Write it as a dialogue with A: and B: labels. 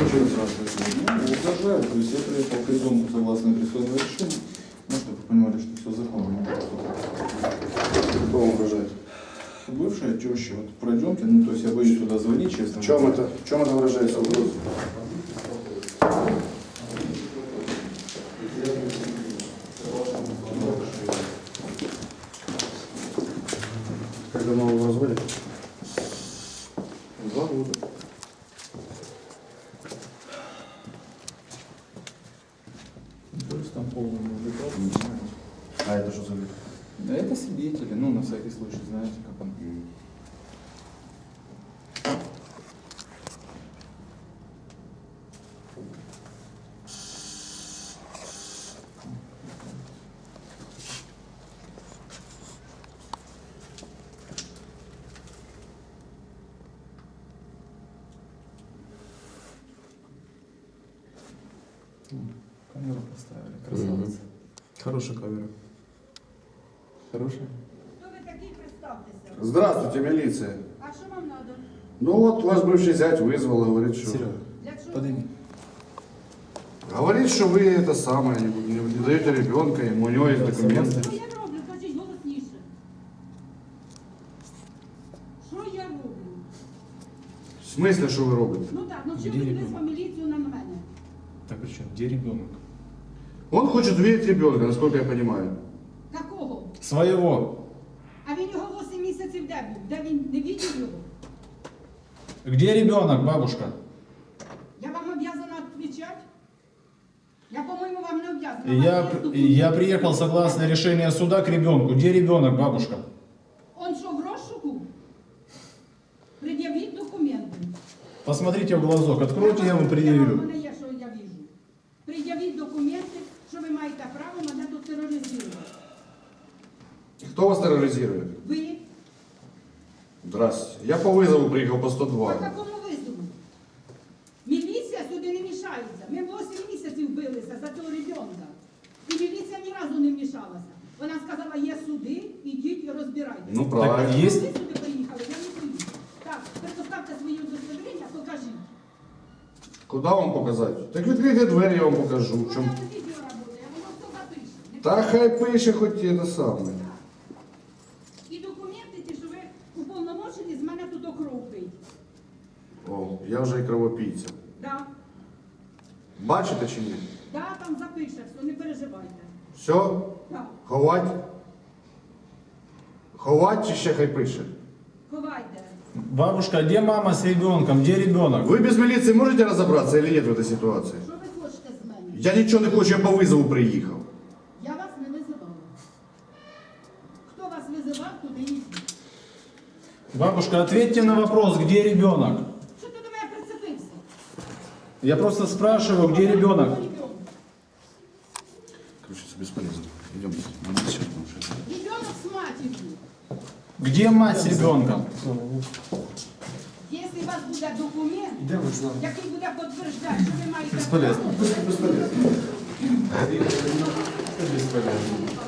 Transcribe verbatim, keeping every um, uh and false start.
A: угрожают сразу.
B: Ну, угрожают. То есть я приехал к ребенку согласно операционному решению. Ну, чтобы вы понимали, что все законно.
A: Кто угрожает?
B: Бывшая теща, вот пройдемте, ну то есть я боюсь туда звонить, честно.
A: В чем это? В чем это выражается угроза? Как давно вы в разводе?
B: Два года. То есть там полный адекват, не знаете.
A: А это что за вид?
B: Да это свидетели, ну на всякий случай, знаете, как он. Камеру поставили, красавица.
A: Хорошая камера.
B: Хорошая?
C: Хто ви такий, представтеся.
A: Здравствуйте, милиция.
C: А що вам надо?
A: Ну вот, вас бывший зять вызвал, говорит, что...
B: Серега,
C: Для чого?
B: подойди.
A: Говорит, что вы это самое, не, не, не даете ребенка, ему у него есть
B: Да,
A: документы.
C: Що я роблю? Кажіть голосніше. Що я роблю?
A: В смысле, что вы робите?
C: Ну так, ну чим
B: Де
C: ви
B: ребенок?
C: визвав міліцію на мене?
B: Так при чем? Где ребенок?
A: Он хочет увидеть ребенка, насколько я понимаю.
C: Какого?
B: Своего.
C: А він його вісім місяців де був? Де він не бачив його?
B: Где ребенок, бабушка?
C: Я вам обязана відповідати? Я, по-моєму, вам не обязана.
B: Я,
C: Вам є
B: я
C: документи?
B: приехал согласно решению суда к ребенку. Где ребенок, бабушка?
C: Он що, в розшуку? Пред'явіть документи.
B: Посмотрите в глазок, откройте, я вам
C: У
B: предъявлю.
C: мене є, що я вижу. Пред'явіть документи, що ви маєте право мене тут тероризувати.
A: Кто вас терроризирует?
C: Ви?
A: Здравствуйте. Я по вызову приехал по
C: По
A: сто два.
C: какому визову? Міліція сюди не мішається. Ми вісім місяців билися за цього ребенка. І міліція ні разу не вмішалася. Вона сказала, є суди, ідіть і розбирайтеся.
A: Ну
B: Так,
A: правильно.
B: є-
C: Ви сюди приїхали, я не поїду. Так, предоставте свої удостоверення, покажіть.
A: Куда вам показать? Так відкрийте двері, я вам покажу. В
C: У
A: чому...
C: мене відео працює, воно все запише. Не
A: Та хай пише хоч те саме.
C: І документи ті, що ви уповномочені, з мене тут окров пить.
A: О, я вже і кровопійця.
C: Да,
A: Бачите чи ні?
C: да, там запише все, не переживайте.
A: Все?
C: Да.
A: Ховать? Ховать чи ще хай пише?
C: Ховайте.
B: Бабушка, где мама с ребенком? Где ребенок?
A: Ви без міліції можете розібратися чи ні в цій ситуації?
C: Що ви хочете з мене?
A: Я нічого не хочу, я по визову приїхав.
C: Я вас не визивала. Хто вас визивав, туди йдіть.
B: Бабушка, ответьте на вопрос, где ребенок?
C: Що ти до мене прицепився?
B: Я просто спрашиваю, где ребенок?
A: Короче, це безполезно. Идем. Надо сейчас потому
C: Ребенок з матір'ю.
B: Где мать с ребенком?
C: Якщо у вас буде документ, який буде підтверджати, що ви маєте
B: Безполезно.
C: право,
A: Бесполезно.
B: Бесполезно.